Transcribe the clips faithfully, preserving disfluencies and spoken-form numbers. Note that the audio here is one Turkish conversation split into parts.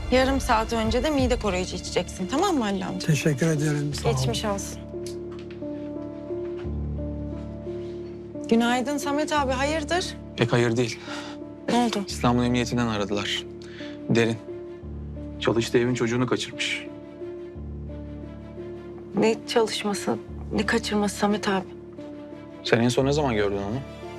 Yarım saat önce de mide koruyucu içeceksin, tamam mı Halil amca? Teşekkür ederim. Sağ ol. Geçmiş olsun. Günaydın Samet abi, hayırdır? Pek hayır değil. Ne oldu? İstanbul Emniyetinden aradılar. Derin. Çalıştığı evin çocuğunu kaçırmış. Ne çalışması, ne kaçırması Samet abi? Sen en son ne zaman gördün onu?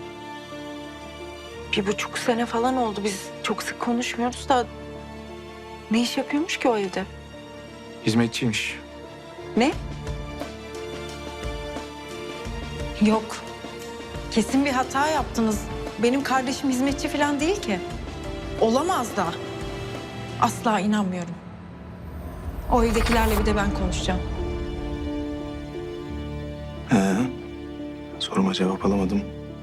Bir buçuk sene falan oldu. Biz çok sık konuşmuyoruz da... Ne iş yapıyormuş ki o evde? Hizmetçiymiş. Ne? Yok. Kesin bir hata yaptınız. Benim kardeşim hizmetçi falan değil ki. Olamaz da. Asla inanmıyorum. O evdekilerle bir de ben konuşacağım. He. Soruma cevap alamadım.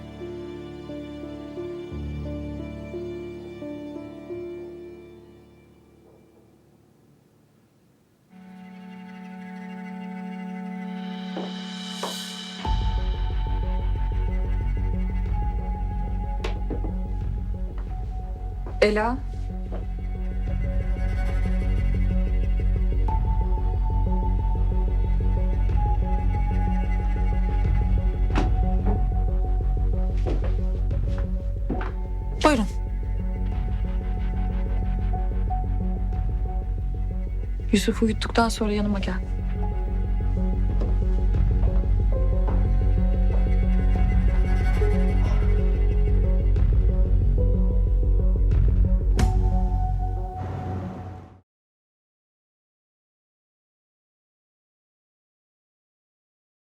Ela. Buyurun. Yusuf'u uyuttuktan sonra yanıma gel.